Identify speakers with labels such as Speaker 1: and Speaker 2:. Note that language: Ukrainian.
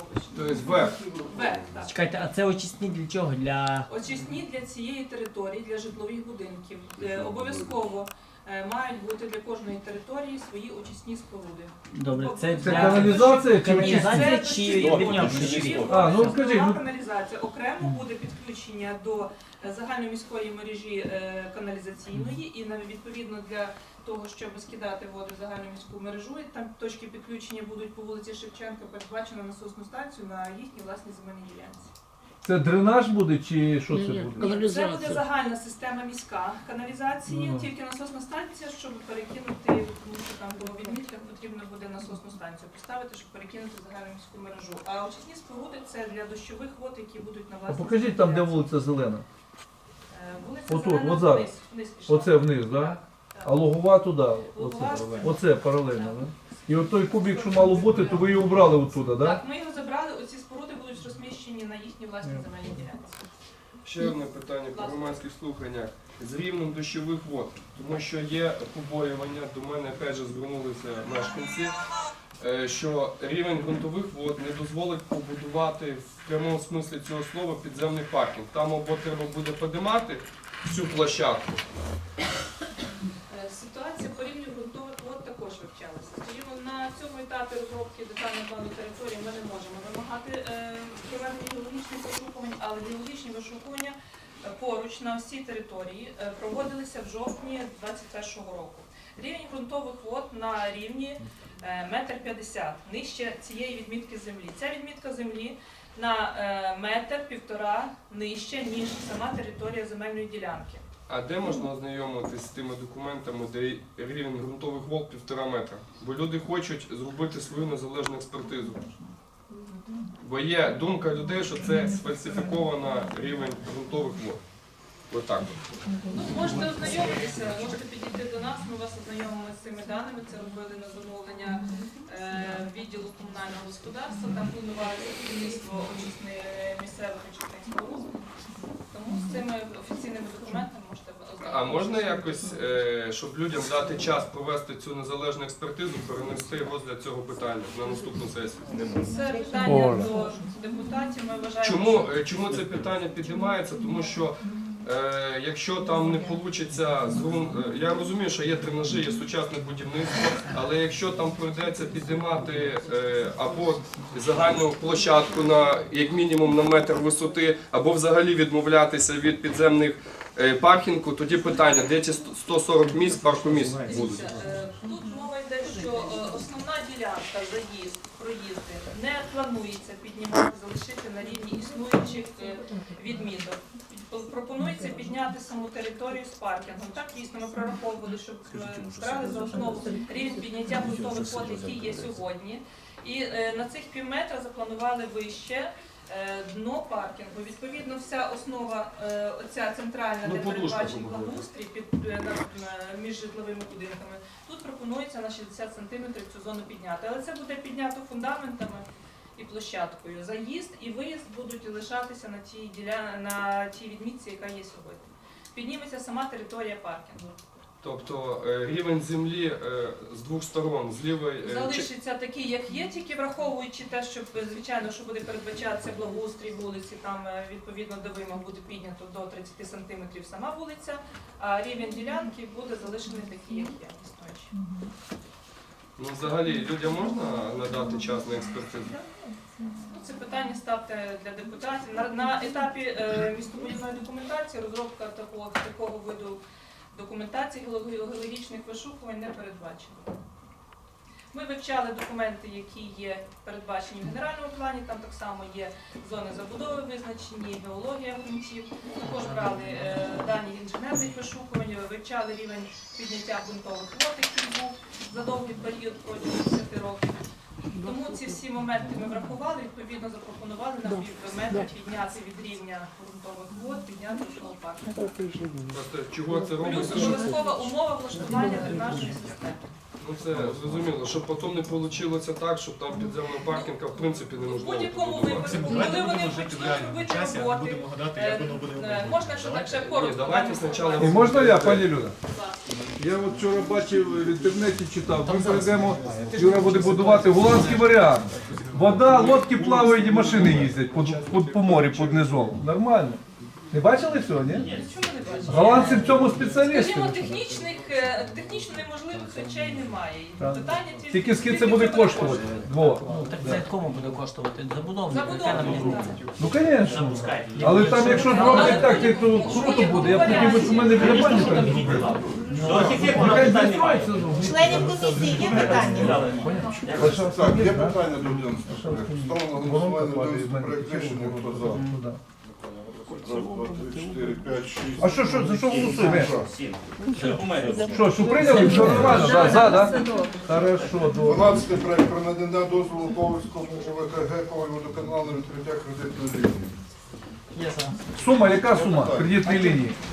Speaker 1: Тобто вверх.
Speaker 2: Вверх, так.
Speaker 3: Чекайте, а це очисні для чого? Для...
Speaker 2: Очисні для цієї території, для житлових будинків. Обов'язково мають бути для кожної території свої очисні споруди.
Speaker 3: Добре, це
Speaker 4: Це
Speaker 3: для...
Speaker 4: каналізація чи
Speaker 3: Каналізація
Speaker 2: Це
Speaker 3: чи
Speaker 2: дощові води,
Speaker 3: відняв?
Speaker 2: дощові води,
Speaker 4: А, ну,
Speaker 2: це
Speaker 4: скажіть,
Speaker 2: основна
Speaker 4: ну-
Speaker 2: каналізація. Окремо буде підключення до загальноміської мережі каналізаційної і відповідно для того, щоб скидати воду в загальноміську мережу, і там точки підключення будуть по вулиці Шевченка, передбачено насосну станцію на їхній власній земельній ділянці.
Speaker 4: Це дренаж буде чи що це буде?
Speaker 2: Ні, це буде загальна система міська каналізації,
Speaker 4: Ага.
Speaker 2: тільки насосна станція, щоб перекинути, тому що там по відмітках потрібно буде насосну станцію поставити, щоб перекинути в загальну міську мережу. А очисні споруди це для дощових вод, які будуть на
Speaker 4: А
Speaker 2: власній
Speaker 4: покажіть там, де
Speaker 2: ділянці.
Speaker 4: вулиця Зелена.
Speaker 2: Вулиця
Speaker 4: Отут,
Speaker 2: Зелена
Speaker 4: от зараз.
Speaker 2: вниз пішла.
Speaker 4: Оце вниз, так? Да?
Speaker 2: Так, так.
Speaker 4: А лугова туди.
Speaker 2: Лугова
Speaker 4: Оце,
Speaker 2: це-
Speaker 4: оце паралельно, так? Да? І от той кубик, що мало бути, то ви його убрали оттуда, так? Да?
Speaker 2: Так, ми його забрали, оці споруди будуть розміщені на їхній власній земельній ділянці.
Speaker 1: Ще одне питання по громадських слуханнях. З рівнем дощових вод, тому що є побоювання, до мене опять же звернулися мешканці, що рівень ґрунтових вод не дозволить побудувати в прямому смислі цього слова підземний паркінг. Там або треба буде підіймати всю площадку.
Speaker 2: Ситуація по рівню ґрунтових вод також вивчалася. Скажімо, на цьому етапі розробки детального плану території ми не можемо вимагати проведення геологічних вишукувань, але геологічні вишукування поруч на всій території проводилися в жовтні 2021 року. Рівень ґрунтових вод на рівні 1,50 м, нижче цієї відмітки землі. Ця відмітка землі на 1,5 м нижче, ніж сама територія земельної ділянки.
Speaker 1: А де можна ознайомитися з тими документами, де рівень ґрунтових вод 1,5 метра? Бо люди хочуть зробити свою незалежну експертизу. Бо є думка людей, що це сфальсифіковано рівень ґрунтових вод. Отак.
Speaker 2: Ну, можете ознайомитися, можете підійти до нас, ми вас ознайомимо з цими даними. Це робили на замовлення відділу комунального господарства, там планувалося будівництво місцевих очисних споруд. Тому з цими офіційними документами можете ознайомитися.
Speaker 1: А можна якось, щоб людям дати час провести цю незалежну експертизу, перенести розгляд цього питання на наступну сесію?
Speaker 2: Це питання до депутатів, ми вважаємо,
Speaker 1: Чому це питання піднімається? Тому що якщо там не вийде, я розумію, що є дренажі, є сучасне будівництво, але якщо там прийдеться підіймати або загальну площадку на як мінімум на метр висоти, або взагалі відмовлятися від підземних паркінгу, тоді питання, де ці 140 місць паркомісць будуть?
Speaker 2: Тут мова йде, що основна ділянка, заїзд, проїзди не планується піднімати, залишити на рівні існуючих відміток. Пропонується підняти саму територію з паркінгом. Так, дійсно, ми прораховували, щоб брали за основу рівень підняття ґрунтових вод, який є сьогодні. І на цих півметра запланували вище дно паркінгу. Відповідно, вся основа, оця центральна, де передбачений благоустрій між житловими будинками, тут пропонується на 60 см цю зону підняти. Але це буде піднято фундаментами і площадкою. Заїзд і виїзд будуть лишатися на тій відмітці, яка є сьогодні. Підніметься сама територія паркінгу.
Speaker 1: Тобто рівень землі з двох сторон, з лівої...
Speaker 2: Залишиться такий, як є, тільки враховуючи те, що, звичайно, що буде передбачатися благоустрій вулиці, там відповідно до вимог буде піднято до 30 см сама вулиця, а рівень ділянки буде залишений такий, як є, існуючий.
Speaker 1: Ну, взагалі, людям можна надати час на експертизу?
Speaker 2: Ну, це питання ставте для депутатів. На етапі містобудівної документації розробка такого виду документації геологічних вишукувань не передбачена. Ми вивчали документи, які є передбачені в генеральному плані, там так само є зони забудови визначені, геологія ґрунтів. Також брали дані інженерних вишукувань, вивчали рівень підняття ґрунтових вод, який був за довгий період протягом 10 років. Тому ці всі моменти ми врахували, відповідно запропонували на півметр підняти від рівня ґрунтових вод, підняти основу парку.
Speaker 1: Просто чого це
Speaker 2: Плюс
Speaker 1: робиться?
Speaker 2: обов'язкова умова влаштування дренажної системи.
Speaker 1: Ну це зрозуміло, щоб потім не вийшло так, щоб там підземного паркінга в принципі
Speaker 2: В
Speaker 1: неможливо
Speaker 2: будь-якому
Speaker 1: побудувати.
Speaker 2: випадку, коли вони почнуть робити роботи, можна ще так ще
Speaker 1: Ні,
Speaker 2: коротко.
Speaker 1: давайте спочатку...
Speaker 4: І можна я, пані Люда?
Speaker 2: Будь ласка.
Speaker 4: Я от вчора бачив в інтернеті, читав, ми прийдемо, Юра буде будувати голландський варіант. Вода, лодки плавають і машини їздять по морю, під низом. Нормально. Не бачили цього, ні?
Speaker 2: Чому не бачите?
Speaker 4: Голландці в цьому спеціалісти.
Speaker 2: Скажімо, технічно неможливих речей немає. І
Speaker 4: Так.
Speaker 2: питання
Speaker 4: Тільки скільки це буде коштувати? Вова.
Speaker 3: Ну, так це кому буде коштувати? Забудовник, яка нам
Speaker 2: Забудовник.
Speaker 3: різниця?
Speaker 4: Ну, звісно. Але там, якщо зроблять так, то круто буде. Я б хотів, би, щоб в мене біля бані так зробили. Нехай не строїться.
Speaker 5: Членів комісії є питання?
Speaker 6: Так, є питання до 11 проєкту. Ставимо на голосування 11 проєкт рішення. Хто за? Раз, два, три, 4, 5, 6.
Speaker 4: А що, за що голосуємо?
Speaker 6: За.
Speaker 4: Що прийняли? Все нормально? За, да? Хорошо, добре.
Speaker 6: 12 проєкт про надання дозволу Ковальському ОВКГ Коваль водоканалу на відкриття кредитної лінії.
Speaker 4: Сума, яка сума кредитної лінії?